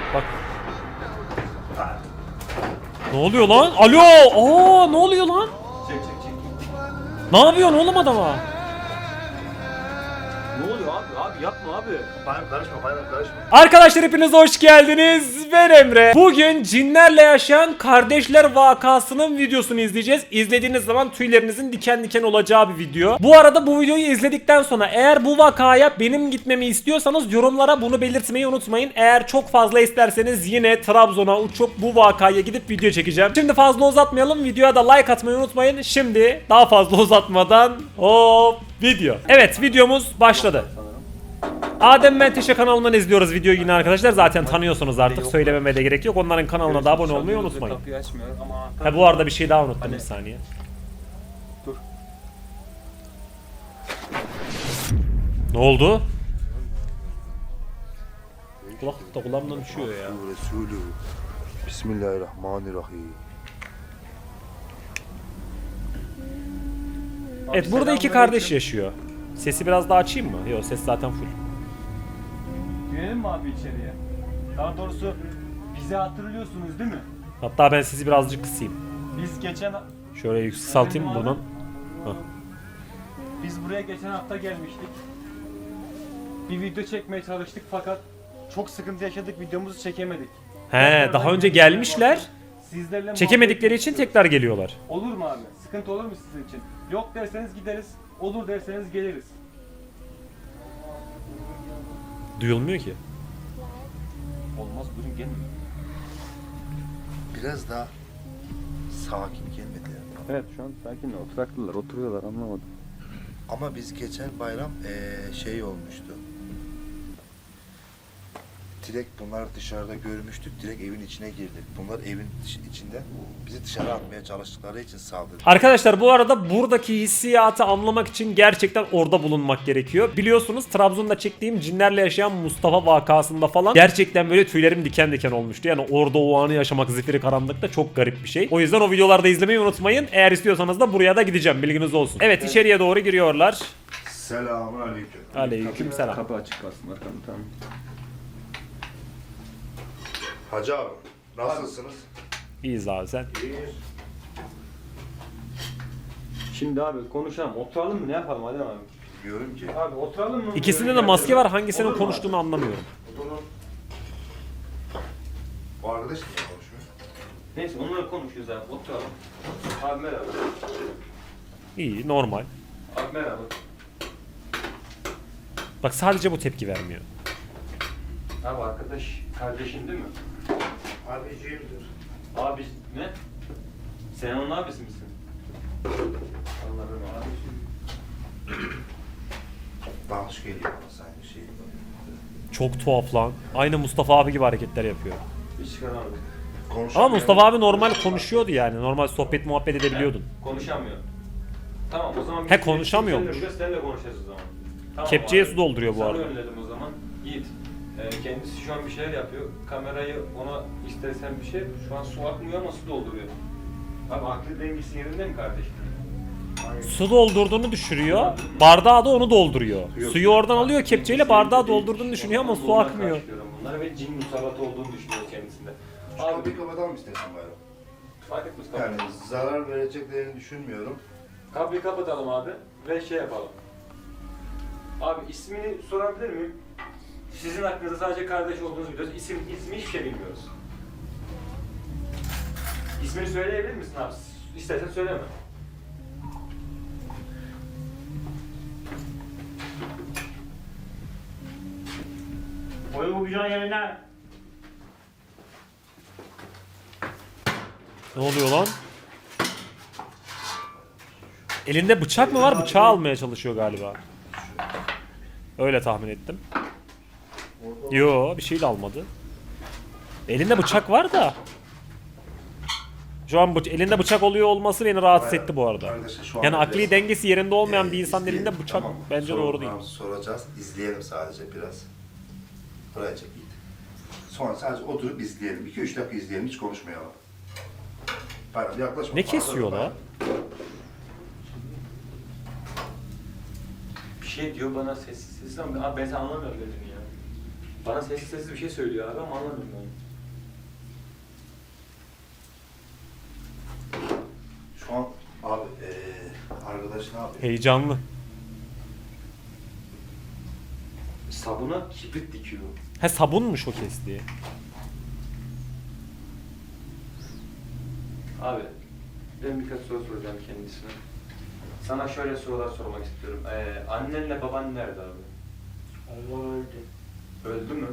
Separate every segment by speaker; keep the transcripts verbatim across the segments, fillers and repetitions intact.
Speaker 1: Bak. Ne oluyor lan? Alo! Aa, ne oluyor lan?
Speaker 2: Çek çek çek.
Speaker 1: Ne yapıyorsun oğlum adama?
Speaker 2: Ne oluyor abi? Abi yapma abi.
Speaker 3: Bayram karışma, bayram karışma.
Speaker 1: Arkadaşlar hepiniz hoş geldiniz. Ben Emre. Bugün cinlerle yaşayan kardeşler vakasının videosunu izleyeceğiz. İzlediğiniz zaman tüylerinizin diken diken olacağı bir video. Bu arada bu videoyu izledikten sonra eğer bu vakaya benim gitmemi istiyorsanız yorumlara bunu belirtmeyi unutmayın. Eğer çok fazla isterseniz yine Trabzon'a uçup bu vakaya gidip video çekeceğim. Şimdi fazla uzatmayalım. Videoya da like atmayı unutmayın. Şimdi daha fazla uzatmadan hop video. Evet, videomuz başladı. Adem Menteşe kanalından izliyoruz videoyu yine arkadaşlar. Zaten tanıyorsunuz artık, söylememe de gerek yok. Onların kanalına da abone olmayı unutmayın. Ha, bu arada bir şey daha unuttum, bir saniye.
Speaker 2: Dur.
Speaker 1: Ne oldu? Kulaklık da kulağımdan düşüyor ya.
Speaker 3: Resulü. Bismillahirrahmanirrahim.
Speaker 1: Evet, burada iki kardeş yaşıyor. Sesi biraz daha açayım mı? Yok, ses zaten full.
Speaker 2: Girelim mi abi içeriye? Daha doğrusu bizi hatırlıyorsunuz değil mi?
Speaker 1: Hatta ben sizi birazcık kısayım.
Speaker 2: Biz geçen
Speaker 1: Şöyle yükselteyim
Speaker 2: Efendim
Speaker 1: buradan.
Speaker 2: abi?
Speaker 1: Hah.
Speaker 2: Biz buraya geçen hafta gelmiştik. Bir video çekmeye çalıştık fakat çok sıkıntı yaşadık, videomuzu çekemedik.
Speaker 1: He, daha önce gelmişler.
Speaker 2: Sizlerle
Speaker 1: Çekemedikleri
Speaker 2: muhabbet
Speaker 1: için
Speaker 2: ediyoruz.
Speaker 1: tekrar geliyorlar.
Speaker 2: Olur mu abi? Sıkıntı olur mu sizin için? Yok derseniz gideriz, olur derseniz geliriz.
Speaker 1: Duyulmuyor ki.
Speaker 2: Olmaz, buyurun gelin.
Speaker 3: Biraz daha sakin gelmediler.
Speaker 2: Evet, şu an sakin oturaklılar, oturuyorlar, anlamadım.
Speaker 3: Ama biz geçen bayram eee, şey olmuştu. Direkt bunlar dışarıda görmüştük, direkt evin içine girdik. Bunlar evin dış- içinde bizi dışarı atmaya çalıştıkları için saldırdı.
Speaker 1: Arkadaşlar bu arada buradaki hissiyatı anlamak için gerçekten orada bulunmak gerekiyor. Biliyorsunuz Trabzon'da çektiğim cinlerle yaşayan Mustafa vakasında falan gerçekten böyle tüylerim diken diken olmuştu. Yani orada o anı yaşamak zifiri karanlıkta çok garip bir şey. O yüzden o videolarda izlemeyi unutmayın. Eğer istiyorsanız da buraya da gideceğim, bilginiz olsun. Evet, içeriye doğru giriyorlar.
Speaker 3: Selamun aleyküm.
Speaker 1: Aleyküm selam.
Speaker 2: Kapı açık kalsın arkamda, tamam.
Speaker 3: Hacı abi, nasılsınız?
Speaker 1: İyiyiz abi, sen.
Speaker 3: İyiyiz.
Speaker 2: Şimdi abi konuşalım, oturalım mı, ne yapalım Adem abi?
Speaker 3: Bilmiyorum ki.
Speaker 2: Abi oturalım mı?
Speaker 1: İkisinde de maske var, hangisinin konuştuğunu anlamıyorum.
Speaker 3: Oturun. O arkadaş niye konuşmuyor?
Speaker 2: Neyse, onları konuşuyoruz abi, oturalım. Abi merhaba.
Speaker 1: İyi, normal.
Speaker 2: Abi merhaba.
Speaker 1: Bak, sadece bu tepki vermiyor.
Speaker 2: Abi arkadaş, kardeşin değil mi?
Speaker 3: Abiciğimdir.
Speaker 2: Abi ne? Sen onun abisi misin? Allah'ım abisi.
Speaker 3: Bağış geliyor bana sanki şey.
Speaker 1: Çok tuhaf lan. Aynı Mustafa abi gibi hareketler yapıyor.
Speaker 2: Hiç çıkaramadık.
Speaker 3: Konuşamıyor.
Speaker 1: Ama Mustafa abi normal konuşuyordu yani. Normal sohbet muhabbet edebiliyordun.
Speaker 2: Konuşamıyor. Tamam, o zaman...
Speaker 1: He, konuşamıyormuş.
Speaker 2: Seninle, seninle konuşacağız o zaman. Tamam,
Speaker 1: Kepçeye
Speaker 2: abi.
Speaker 1: su dolduruyor bu
Speaker 2: Sana
Speaker 1: arada.
Speaker 2: önledim o zaman. Yiğit. Ee, kendisi şu an bir şeyler yapıyor. Kamerayı ona istersen bir şey. Şu an su akmıyor ama su dolduruyor. Abi aklı dengesi yerinde mi kardeşim?
Speaker 1: Su doldurduğunu düşürüyor. Bardağı da onu dolduruyor.
Speaker 3: Yok.
Speaker 1: Suyu oradan alıyor kepçeyle, bardağı doldurduğunu düşünüyor ama su
Speaker 2: Ondan
Speaker 1: akmıyor.
Speaker 2: karşılıyorum bunları ve cin musallatı olduğunu düşünüyor kendisinde.
Speaker 3: Şu
Speaker 2: Abi
Speaker 3: kapıyı kapatalım istersen bayram.
Speaker 2: fark etmez
Speaker 3: Yani
Speaker 2: kapıyı.
Speaker 3: zarar vereceklerini düşünmüyorum.
Speaker 2: Kapıyı kapatalım abi ve şey yapalım. Abi ismini sorabilir miyim? Sizin hakkınızda sadece kardeş olduğunuzu biliyoruz. İsim, ismi hiçbir şey bilmiyoruz. İsmini söyleyebilir misin abi? İstersen söyleme.
Speaker 4: Koy bu bıçağın yerine.
Speaker 1: Ne oluyor lan? Elinde bıçak mı var? Bıçağı almaya çalışıyor galiba. Öyle tahmin ettim. Yo, bir şey de almadı. Elinde bıçak var da. Şu an bıç- elinde bıçak oluyor olması beni rahatsız etti bu arada.
Speaker 3: Arkadaşlar şu an
Speaker 1: Yani
Speaker 3: biraz,
Speaker 1: akli dengesi yerinde olmayan
Speaker 3: e,
Speaker 1: bir insanın
Speaker 3: izleyelim,
Speaker 1: elinde bıçak
Speaker 3: tamam mı?
Speaker 1: bence
Speaker 3: Sorun
Speaker 1: doğru değil.
Speaker 3: var mı? Soracağız, izleyelim sadece biraz. Buraya çek git. Sonra sadece oturup izleyelim. iki üç dakika izleyelim, hiç konuşmayalım. Bayram yaklaşma.
Speaker 1: Ne kesiyor la?
Speaker 2: Bir şey diyor bana sessiz sessiz ama abi ben sana anlamıyorum dediğini ya. Bana sessiz sessiz bir şey söylüyor abi ama anlamadım ben.
Speaker 3: Şu an abi eee arkadaş ne yapıyor?
Speaker 1: Heyecanlı.
Speaker 2: Sabuna kibrit dikiyor.
Speaker 1: He sabunmuş o kestiği.
Speaker 2: Abi ben birkaç soru soracağım kendisine. Sana şöyle sorular sormak istiyorum. Ee, annenle baban nerede abi?
Speaker 4: Allah öldü.
Speaker 2: Öldü mü?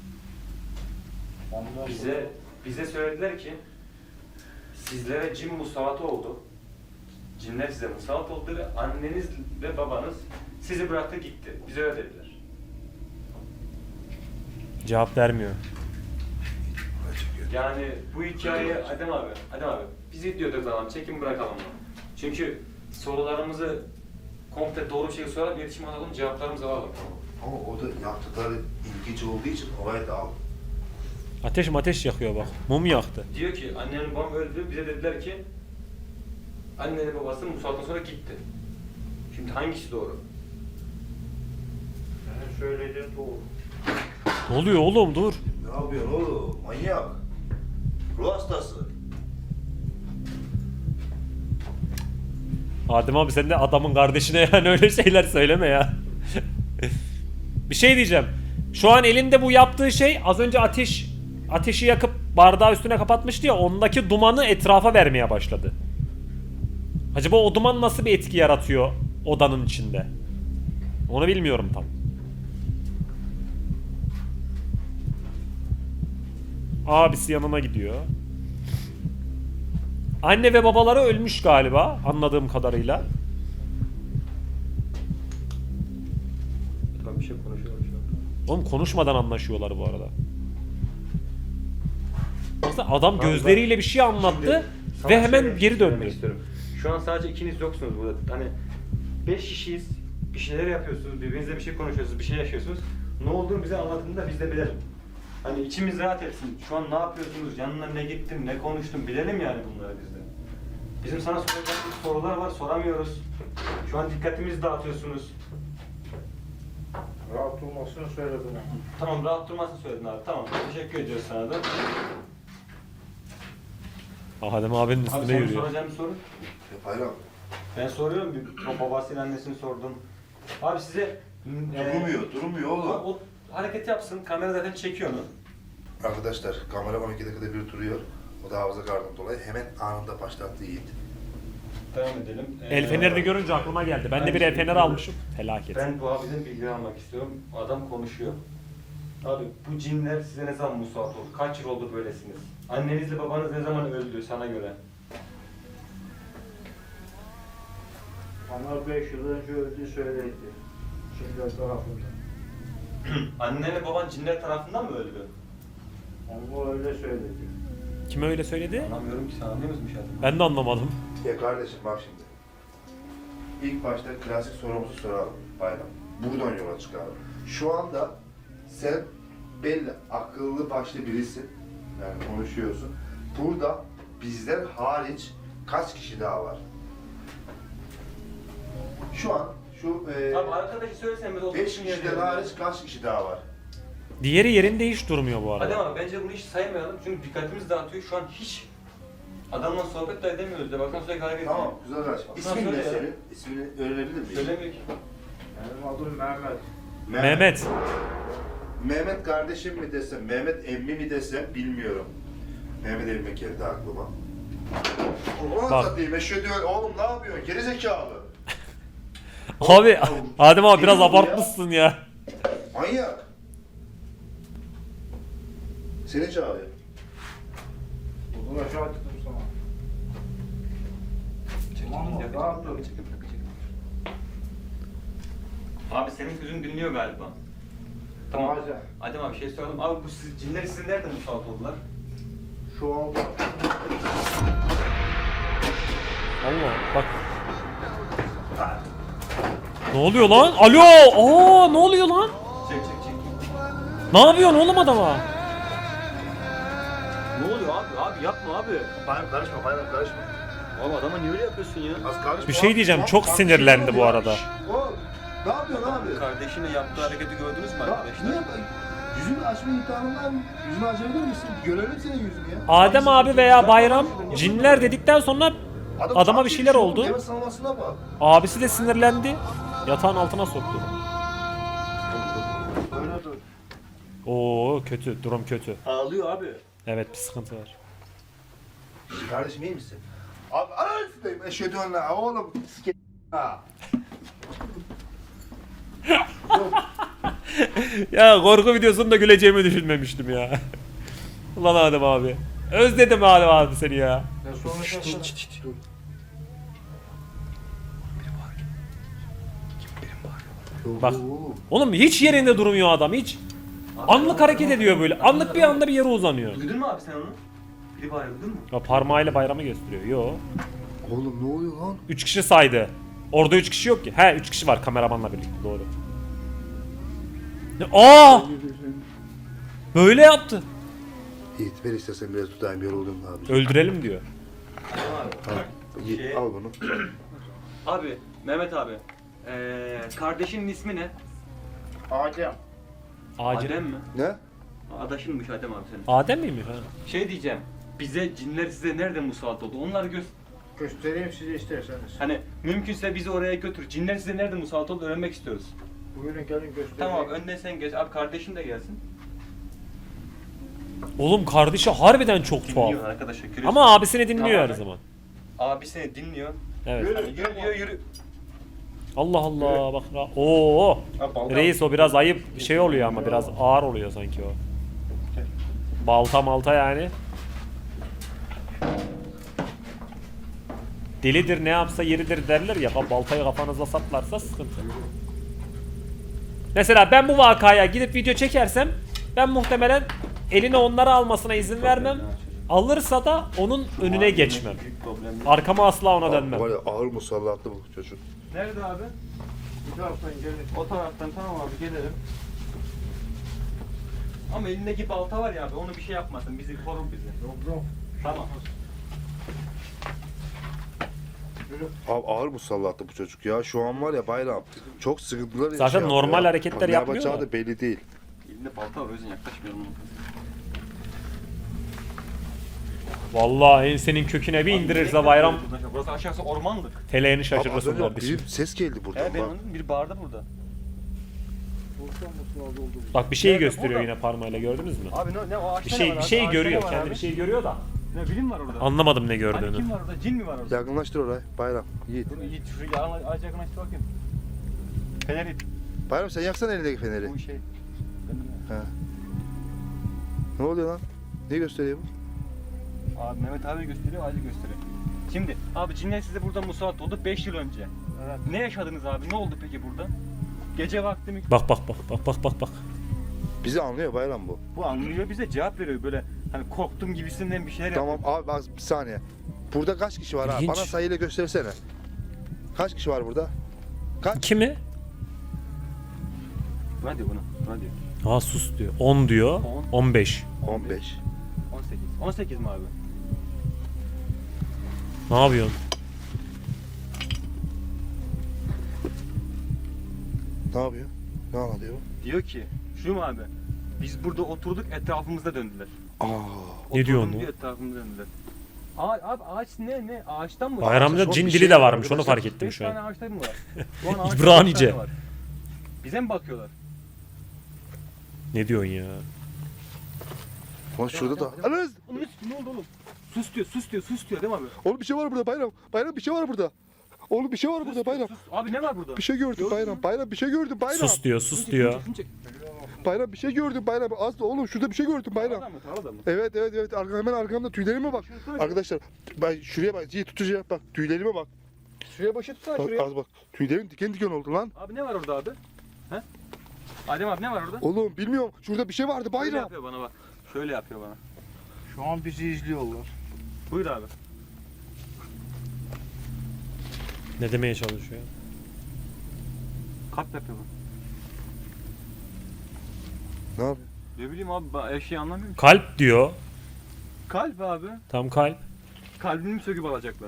Speaker 4: Onlar
Speaker 2: Bize bize söylediler ki sizlere cin musallat oldu. Cinler size musallat oldu ve anneniz ve babanız sizi bıraktı gitti. Bize öyle dediler.
Speaker 1: Cevap vermiyor.
Speaker 3: Buraya çekiyor.
Speaker 2: Yani bu hikaye Adem abi, Adem abi bizi diyorduk zaman çekin bırakalım. Çünkü sorularımızı komple doğru bir şekilde sorarak iletişim alalım, cevaplarımızı alalım.
Speaker 3: Ama o da yaptıkları ilginç olduğu için olayı da al.
Speaker 1: Ateş ateş yakıyor bak. Mum yaktı.
Speaker 2: Diyor ki annenin babam öldü, bize dediler ki annenin babası musallattan sonra gitti. Şimdi hangisi doğru?
Speaker 4: Benim söylediğim doğru.
Speaker 1: Ne oluyor oğlum dur.
Speaker 3: Ne yapıyorsun oğlum? Manyak. Ruh hastası.
Speaker 1: Adem abi sen de adamın kardeşine yani öyle şeyler söyleme ya. Bir şey diyeceğim. Şu an elinde bu yaptığı şey az önce ateş ateşi yakıp bardağı üstüne kapatmıştı ya, ondaki dumanı etrafa vermeye başladı. Acaba o duman nasıl bir etki yaratıyor odanın içinde? Onu bilmiyorum tam. Abisi yanına gidiyor. Anne ve babaları ölmüş galiba anladığım kadarıyla.
Speaker 2: Tamam bir şey konuşuyorlar şu an.
Speaker 1: Oğlum konuşmadan anlaşıyorlar bu arada. Aslında adam gözleriyle bir şey anlattı
Speaker 2: Sana
Speaker 1: ve hemen
Speaker 2: şöyle
Speaker 1: geri
Speaker 2: söylemek
Speaker 1: döndü.
Speaker 2: istiyorum. Şu an sadece ikiniz yoksunuz burada. Hani beş kişiyiz, bir şeyler yapıyorsunuz, birbirinizle bir şey konuşuyorsunuz, bir şey yaşıyorsunuz. Ne olduğunu bize anlatın da biz de bilelim. Hani içimiz rahat etsin. Şu an ne yapıyorsunuz, yanına ne gittin, ne konuştun bilelim yani bunları biz de. Bizim sana soracağımız sorular var, soramıyoruz. Şu an dikkatimizi dağıtıyorsunuz.
Speaker 4: Rahat olmasını söyledim ama.
Speaker 2: Tamam, rahat durmasını söyledin abi. Tamam, teşekkür ediyoruz sana da.
Speaker 1: Adem abinin
Speaker 2: Abi
Speaker 1: üstüne
Speaker 2: senin
Speaker 1: yürüyor.
Speaker 2: soracağın bir soru.
Speaker 3: Hep hayran.
Speaker 2: Ben soruyorum, bir o babasıyla annesini sordum. Abi size... e,
Speaker 3: Durmuyor, durmuyor
Speaker 2: o,
Speaker 3: oğlum.
Speaker 2: o hareket yapsın, kamera zaten çekiyor onu.
Speaker 3: Arkadaşlar kamera on iki dakikada bir duruyor. O da hafıza kartından dolayı hemen anında başlattı Yiğit.
Speaker 2: Devam edelim.
Speaker 1: El fenerini görünce aklıma geldi. Ben de bir el feneri almışım. Felaket.
Speaker 2: Ben bu abiden bilgi almak istiyorum. Adam konuşuyor. Abi bu cinler size ne zaman musallat oldu? Kaç yıl oldu böylesiniz? Annenizle babanız ne zaman öldü sana göre?
Speaker 4: Onlar beş yıl önce öldü söyledi. Şimdi tarafında.
Speaker 2: Annenle baban cinler tarafından mı öldü?
Speaker 4: Ama öyle söyledi.
Speaker 1: Kime öyle söyledi?
Speaker 2: Anlamıyorum ki sen anlıyor musun Müşahit?
Speaker 1: Ben de anlamadım.
Speaker 3: Ya kardeşim bak şimdi. İlk başta klasik sorumuzu soralım Bayram. Buradan yola çıkalım. Şu anda sen belli akıllı başlı birisin. Yani konuşuyorsun. Burada bizden hariç kaç kişi daha var? Şu an şu e,
Speaker 2: Abi arkadaşı söylesene ben
Speaker 3: beş kişiden hariç kaç kişi daha var?
Speaker 1: Diğeri yerinde hiç durmuyor bu
Speaker 2: Adem
Speaker 1: arada.
Speaker 2: abi bence bunu hiç saymayalım çünkü dikkatimiz dağıtıyor. Şu an hiç adamla sohbet de edemiyoruz de bakın sürekli hareket ediyor.
Speaker 3: Tamam, güzel kardeşim. İsmin ne senin? İsmini öğrenebilir miyim?
Speaker 2: Söylemiyor ki.
Speaker 4: Benim adım Mehmet.
Speaker 1: Mehmet.
Speaker 3: Mehmet kardeşim mi desem, Mehmet emmi mi desem bilmiyorum. Mehmet emmi geldi aklıma. Ulan
Speaker 1: Bak.
Speaker 3: satayım, eşhedü en- oğlum ne yapıyorsun? Gerizekalı.
Speaker 1: Abi Adem abi biraz
Speaker 3: Geliyor bu ya.
Speaker 1: abartmışsın ya.
Speaker 3: Manyak. Seni çağırıyor.
Speaker 4: Bunu aşağı attım sana. Tamam mı? Rahat dur.
Speaker 2: Abi senin sözün dinliyor galiba. Tamam.
Speaker 4: Bazen.
Speaker 2: Adem abi bir şey soralım. Abi bu siz, cinler sizin nerede musallat oldular?
Speaker 4: Şu anda
Speaker 1: Allah bak. Ne oluyor lan? Alo! Aa ne oluyor lan?
Speaker 2: Çek çek çek.
Speaker 1: Ne yapıyorsun oğlum adama?
Speaker 2: Ne oluyor abi? Abi yapma abi.
Speaker 3: Bayram karışma, bayram karışma.
Speaker 2: Abi adama niye öyle yapıyorsun ya?
Speaker 3: Az karışma.
Speaker 1: Bir şey diyeceğim,
Speaker 3: Bak,
Speaker 1: çok
Speaker 3: bak,
Speaker 1: sinirlendi
Speaker 3: şey
Speaker 1: bu
Speaker 3: oluyor.
Speaker 1: arada.
Speaker 3: Şşş, oğlum, ne yapıyorsun abi?
Speaker 2: Kardeşinin yaptığı hareketi gördünüz mü
Speaker 3: Ya,
Speaker 2: arkadaşlar?
Speaker 3: niye, Yüzünü açma imkanın var mı? Yüzünü açabilir misin? Görelim senin yüzünü ya.
Speaker 1: Adem abi veya Bayram cinler dedikten sonra
Speaker 3: Adam
Speaker 1: adama
Speaker 3: çok
Speaker 1: bir şeyler
Speaker 3: iyi
Speaker 1: oldu.
Speaker 3: Nefes salmasına bak.
Speaker 1: Abisi de sinirlendi. Yatağın altına soktu.
Speaker 3: Öyle dur.
Speaker 1: Oo kötü, durum kötü.
Speaker 2: Ağlıyor abi.
Speaker 1: Evet bir sıkıntı var.
Speaker 3: Kardeşim iyi misin? Abi anasını eşhedü en la oğlum sike ha.
Speaker 1: Ya korku videosunda güleceğimi düşünmemiştim ya. Ulan Adem abi. Özledim Adem abi seni ya.
Speaker 4: Ya sonra şaşırdım.
Speaker 3: Dur.
Speaker 1: Bak. Oğlum hiç yerinde durmuyor adam hiç. Anlık hareket ediyor böyle. Anlık bir anda bir yere uzanıyor.
Speaker 2: Duydun mu abi sen onu? Biri bağırıyor, duydun mu?
Speaker 1: Ya parmağıyla bayramı gösteriyor. Yo.
Speaker 3: Oğlum ne oluyor lan?
Speaker 1: üç kişi saydı. Orada üç kişi yok ki. He üç kişi var kameramanla birlikte doğru. Ne- Aa! Böyle yaptı.
Speaker 3: Yiğit ver istersen biraz tutayım yoruldum abi.
Speaker 1: Öldürelim diyor.
Speaker 3: Al, Yiğit,
Speaker 2: Şey-
Speaker 3: al bunu.
Speaker 2: Abi, Mehmet abi. Ee, kardeşinin ismi ne?
Speaker 4: Adem.
Speaker 1: Acil.
Speaker 2: Adem mi?
Speaker 3: Ne?
Speaker 2: Adaşınmış Adem abi senin.
Speaker 1: Adem miymiş ha?
Speaker 2: Şey diyeceğim. Bize cinler size nerede musallat oldu? Onları göz.
Speaker 4: Göstereyim size isterseniz.
Speaker 2: Hani mümkünse bizi oraya götür. Cinler size nerede musallat oldu öğrenmek istiyoruz.
Speaker 4: Buyurun gelin göstereyim.
Speaker 2: Tamam abi, önden sen geç. Abi kardeşin de gelsin.
Speaker 1: Oğlum kardeşi harbiden çok tuhaf.
Speaker 2: Dinliyor arkadaşlar. görüyorsun.
Speaker 1: Ama abisini dinliyor
Speaker 2: Tamam.
Speaker 1: her zaman.
Speaker 2: Abi seni dinliyor.
Speaker 1: Evet.
Speaker 2: Hani yürü diyor yürü.
Speaker 1: Allah Allah bak. ra- Oo.
Speaker 2: Abi, balta-
Speaker 1: Reis o biraz ayıp bir şey oluyor ama biraz ağır oluyor sanki o. Balta malta yani. Delidir ne yapsa yeridir derler ya. Baltayı kafanıza saplarsa sıkıntı. Mesela ben bu vakaya gidip video çekersem ben muhtemelen eline onları almasına izin vermem. Alırsa da onun önüne geçmem.
Speaker 2: Büyük problem.
Speaker 1: Arkama asla ona
Speaker 3: Abi,
Speaker 1: dönmem.
Speaker 3: var ya ağır musallatlı bu çocuk.
Speaker 2: Nerede abi?
Speaker 4: Bir taraftan gelin.
Speaker 2: O taraftan tamam abi gelelim. Ama elindeki balta var ya abi onu bir şey yapmasın. Bizi korur bizi.
Speaker 4: Yok yok.
Speaker 2: Tamam.
Speaker 3: Abi ağır musallatlı bu çocuk ya. Şu an var ya bayram. Çok sıkıntılar
Speaker 1: Zaten
Speaker 3: yaşıyor
Speaker 1: normal
Speaker 3: ya.
Speaker 1: hareketler
Speaker 3: Bak, ne
Speaker 1: yapmıyor
Speaker 3: yapacağı
Speaker 1: da.
Speaker 3: da belli değil.
Speaker 2: Elinde balta var o yüzden yaklaşmayalım.
Speaker 1: Vallahi ensenin köküne bir indirirse bayram
Speaker 2: Burası aşağısı ormanlık.
Speaker 1: teleğini
Speaker 3: Abi az
Speaker 1: şaşırırsın
Speaker 3: önce
Speaker 1: kardeşim.
Speaker 3: bir ses geldi buradan
Speaker 2: He ben
Speaker 3: bak.
Speaker 2: anladım. Biri bağırdı burada.
Speaker 4: Buradan musallat oldu.
Speaker 1: Bak bir şeyi
Speaker 2: Nerede?
Speaker 1: gösteriyor
Speaker 2: Burada.
Speaker 1: yine parmağıyla gördünüz mü?
Speaker 2: Abi ne, ne o ağaçta
Speaker 1: Bir
Speaker 2: ne
Speaker 1: şey
Speaker 2: var
Speaker 1: bir
Speaker 2: abi?
Speaker 1: şey
Speaker 2: Ağaçta
Speaker 1: görüyor.
Speaker 2: ne var
Speaker 1: Kendi
Speaker 2: abi?
Speaker 1: bir şey görüyor da.
Speaker 2: Ne bilim var orada?
Speaker 1: Anlamadım ne
Speaker 2: Hani
Speaker 1: gördüğünü.
Speaker 2: kim var orada? Cin mi var orada?
Speaker 3: Yakınlaştır oraya bayram. Yiğit.
Speaker 2: Dur Yiğit şuraya ağaç ağaç yakınlaştır bakayım. Feneri.
Speaker 3: Bayram sen yaksana elindeki feneri.
Speaker 2: Bu şey.
Speaker 3: He. Ne oluyor lan? Ne gösteriyor bu?
Speaker 2: Abi Mehmet abi gösteriyor, ağacı gösteriyor. Şimdi abi cinler size burada musallat oldu beş yıl önce.
Speaker 4: Evet.
Speaker 2: Ne yaşadınız abi? Ne oldu peki burada? Gece vakti mi?
Speaker 1: Bak bak bak bak bak bak bak.
Speaker 3: Bizi anlıyor bayram bu.
Speaker 2: Bu anlıyor bize cevap veriyor böyle hani korktum gibisinden bir şeyler
Speaker 3: Tamam
Speaker 2: yapıyor.
Speaker 3: abi bak bir saniye. Burada kaç kişi var abi?
Speaker 1: İlginç.
Speaker 3: Bana sayıyla göstersene. Kaç kişi var burada? Kaç?
Speaker 1: Kimi?
Speaker 2: Buna diyor buna. Buna diyor.
Speaker 1: Ha sus diyor. on diyor.
Speaker 2: On.
Speaker 1: on beş.
Speaker 3: on beş.
Speaker 2: on sekiz. on sekiz mi abi?
Speaker 1: Ne yapıyorsun?
Speaker 3: Ne yapıyor? Ne anlatıyor bu?
Speaker 2: Diyor ki şu mu abi? Biz burada oturduk etrafımızda döndüler.
Speaker 3: Aa.
Speaker 1: Ne diyor
Speaker 2: Oturdum
Speaker 1: onu?
Speaker 2: diyor, etrafımızda döndüler. Ağaç, abi ağaç ne ne? Ağaçtan mı?
Speaker 1: Bayramda
Speaker 3: çok
Speaker 1: cin
Speaker 3: bir
Speaker 1: dili
Speaker 3: şey
Speaker 1: de
Speaker 3: var
Speaker 1: varmış onu
Speaker 3: arkadaşlar.
Speaker 1: fark ettim
Speaker 2: Beş
Speaker 1: şu
Speaker 2: tane
Speaker 1: an.
Speaker 2: ağaçlar mı var? Şu an ağaçta
Speaker 1: İbranice.
Speaker 2: beş tane var. Bize mi bakıyorlar?
Speaker 1: Ne diyorsun ya?
Speaker 3: Lan şurada da. Ananız!
Speaker 2: Onun üstü ne oldu oğlum? Sus diyor, sus diyor, sus diyor değil mi abi?
Speaker 3: Oğlum bir şey var burada bayram. Bayram bir şey var burada. Oğlum bir şey var burada bayram.
Speaker 2: Sus. Abi ne var burada?
Speaker 3: Bir şey gördüm bayram. Bayram bir şey gördüm bayram.
Speaker 1: Sus diyor sus diyor.
Speaker 3: Bayram bir şey gördüm bayram. Az da oğlum şurada bir şey gördüm bayram.
Speaker 2: Tarlada mı? Tarlada mı?
Speaker 3: Evet evet evet Arka, hemen arkamda tüylerime bak. Arkadaşlar bak şuraya bak. Yiğit tutacağım bak tüylerime bak.
Speaker 2: Şuraya başı tutsana
Speaker 3: Bak,
Speaker 2: şuraya.
Speaker 3: az bak. Tüylerim diken diken oldu lan.
Speaker 2: Abi ne var orada abi? He? Adem abi ne var orada?
Speaker 3: Oğlum bilmiyorum. Şurada bir şey vardı
Speaker 2: Şöyle
Speaker 3: bayram.
Speaker 2: yapıyor bana bak. Şöyle yapıyor bana.
Speaker 4: Şu an bizi izliyorlar.
Speaker 2: Buyur abi.
Speaker 1: Ne demeye çalışıyor?
Speaker 2: Kalp yapıyor bana.
Speaker 3: Ne yapıyor?
Speaker 2: Ne bileyim abi ben eşeği anlamıyorum ki.
Speaker 1: Kalp diyor.
Speaker 2: Kalp abi.
Speaker 1: Tam kalp.
Speaker 2: Kalbini mi söküp alacaklar?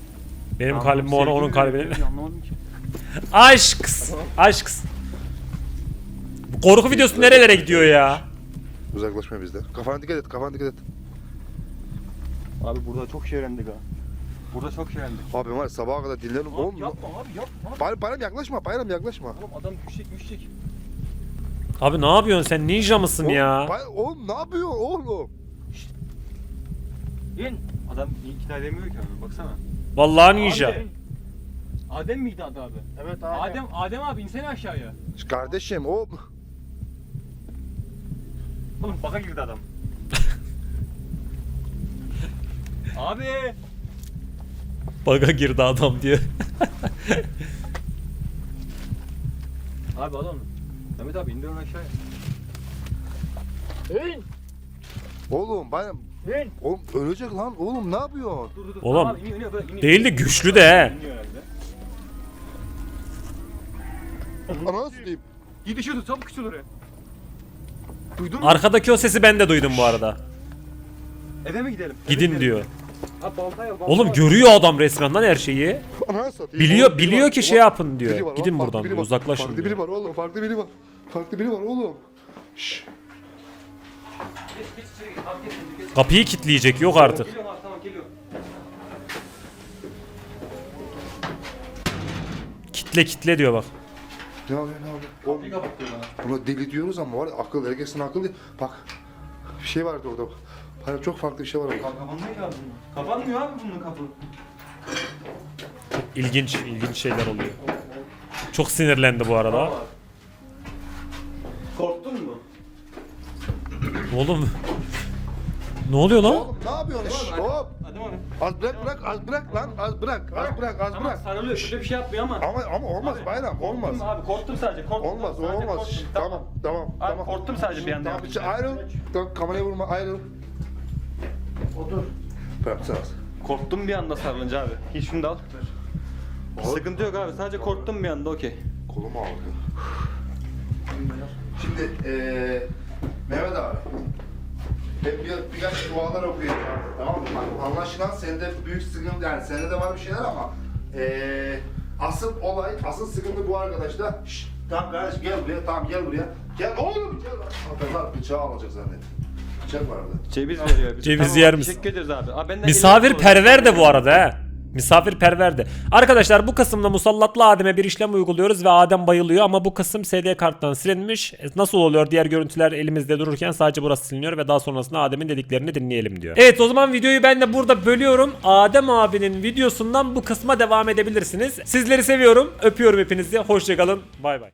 Speaker 1: Benim
Speaker 2: Anlam-
Speaker 1: kalbim ona
Speaker 2: sevgi
Speaker 1: onun
Speaker 2: mi
Speaker 1: kalbini.
Speaker 2: veriyor? Anlamadım ki.
Speaker 1: Aşk. Aşk. Korku videosu nerelere gidiyor ya?
Speaker 3: Uzaklaşma bizden. Kafana dikkat et, kafana dikkat et.
Speaker 2: Abi burada çok şey öğrendik ha. Burada çok şey öğrendik.
Speaker 3: Abi var ya, sabaha kadar dinlerim. Oğlum,
Speaker 2: Abi yapma abi yapma.
Speaker 3: bayram, bayram yaklaşma, bayram yaklaşma.
Speaker 2: Oğlum adam düşecek düşecek.
Speaker 1: Abi ne yapıyorsun sen, ninja mısın
Speaker 3: Oğlum,
Speaker 1: ya?
Speaker 3: bay- oğlum ne yapıyor oğlum?
Speaker 2: İn. Adam ikna edemiyor ki abi baksana.
Speaker 1: Vallahi ninja.
Speaker 2: Adem. Adem miydi adı abi?
Speaker 4: Evet abi.
Speaker 2: Adem, Adem abi insene aşağıya.
Speaker 3: Kardeşim o
Speaker 2: Oğlum baka girdi adam. Abi.
Speaker 1: Baga girdi adam diyor.
Speaker 2: Abi al onu. Mehmet abi indir onu aşağıya.
Speaker 4: İn.
Speaker 3: oğlum bayram.
Speaker 4: İn.
Speaker 3: Oğlum ölecek lan oğlum ne yapıyorsun?
Speaker 2: Dur dur dur.
Speaker 1: Oğlum,
Speaker 2: Tamam, iniyor, iniyor, böyle iniyor.
Speaker 1: Değil de güçlü de he.
Speaker 2: İniyor herhalde.
Speaker 3: Ananı satayım.
Speaker 2: İyi düşüyordu çabuk küçül oraya. Duydun mu?
Speaker 1: Arkadaki o sesi ben de duydum bu arada.
Speaker 2: Eve mi gidelim? Eve
Speaker 1: Gidin
Speaker 2: gidelim.
Speaker 1: diyor.
Speaker 2: Abi baltaya baltaya.
Speaker 1: Oğlum görüyor adam resmen lan her şeyi.
Speaker 3: Ananı satayım.
Speaker 1: Biliyor
Speaker 3: Oğlum, biri
Speaker 1: biliyor
Speaker 3: var,
Speaker 1: ki
Speaker 3: biri
Speaker 1: şey
Speaker 3: var.
Speaker 1: yapın
Speaker 3: Biri
Speaker 1: diyor.
Speaker 3: var,
Speaker 1: Gidin
Speaker 3: bak,
Speaker 1: buradan
Speaker 3: farklı
Speaker 1: diyor.
Speaker 3: biri var.
Speaker 1: Uzaklaşın
Speaker 3: Farklı
Speaker 1: diyor.
Speaker 3: biri var oğlum, farklı biri var. Farklı biri var oğlum. Şşş.
Speaker 2: Geç geç içeri git. Abi geç geç.
Speaker 1: Kapıyı kilitleyecek yok artık.
Speaker 2: Geliyorum abi tamam geliyorum.
Speaker 1: Kitle kitle diyor bak.
Speaker 3: Ne yapıyor ne yapıyor? Oğlum,
Speaker 2: Kapıyı kapatıyor bana.
Speaker 3: buna deli diyoruz ama var ya, akıl, herkesin akıl değil. Bak bir şey vardı orada. Bayram çok farklı bir şey var orada.
Speaker 2: Kapanmıyor abi bunun. Kapanmıyor abi bunun kapı.
Speaker 1: İlginç ilginç şeyler oluyor. Çok sinirlendi bu arada.
Speaker 2: Korktun mu?
Speaker 1: Oğlum. Ne oluyor lan?
Speaker 3: Oğlum ne yapıyorsun? Şşş, hop.
Speaker 2: Hadi abi.
Speaker 3: Az bırak bırak az bırak lan az bırak az bırak az
Speaker 2: Tamam
Speaker 3: bırak.
Speaker 2: sarılıyor. Şurada bir şey yapmıyor ama.
Speaker 3: Ama ama olmaz
Speaker 2: Abi,
Speaker 3: bayram olmaz.
Speaker 2: Korktum abi korktum sadece. Korktum.
Speaker 3: Olmaz o
Speaker 2: Sadece
Speaker 3: olmaz.
Speaker 2: korktum.
Speaker 3: Şşş, Tamam tamam
Speaker 2: Abi
Speaker 3: tamam.
Speaker 2: korktum sadece bir anda.
Speaker 3: Tamam bir ayrıl. Tamam kameraya vurma ayrıl.
Speaker 4: Otur.
Speaker 3: Bırak sen az.
Speaker 2: Korktum bir anda sarılınca abi. Hiç şunu da al. Sıkıntı yok abi. Sadece korktum bir anda okey.
Speaker 3: Kolumu ağrıyor. Şimdi eee Mehmet abi. Ben bir, birkaç dualar okuyacağım. Tamam mı? Bak, anlaşılan sende büyük sıkıntı yani sende de var bir şeyler ama eee asıl olay, asıl sıkıntı bu arkadaşta. Şşt, tamam kardeş gel buraya, tamam gel buraya. Gel oğlum gel. Adamlar bıçağı alacak zannettim. Bıçak vardı.
Speaker 2: Ceviz veriyor. bize.
Speaker 1: Ceviz
Speaker 2: Tamam,
Speaker 1: yer misin?
Speaker 2: Teşekkür ederiz abi. abi benden
Speaker 1: Misafirperver de bu arada he. Misafirperver de. Arkadaşlar bu kısımda musallatlı Adem'e bir işlem uyguluyoruz ve Adem bayılıyor ama bu kısım S D karttan silinmiş. E, Nasıl oluyor? Diğer görüntüler elimizde dururken sadece burası siliniyor ve daha sonrasında Adem'in dediklerini dinleyelim diyor. Evet o zaman videoyu ben de burada bölüyorum. Adem abinin videosundan bu kısma devam edebilirsiniz. Sizleri seviyorum. Öpüyorum hepinizi. Hoşçakalın. Bay bay.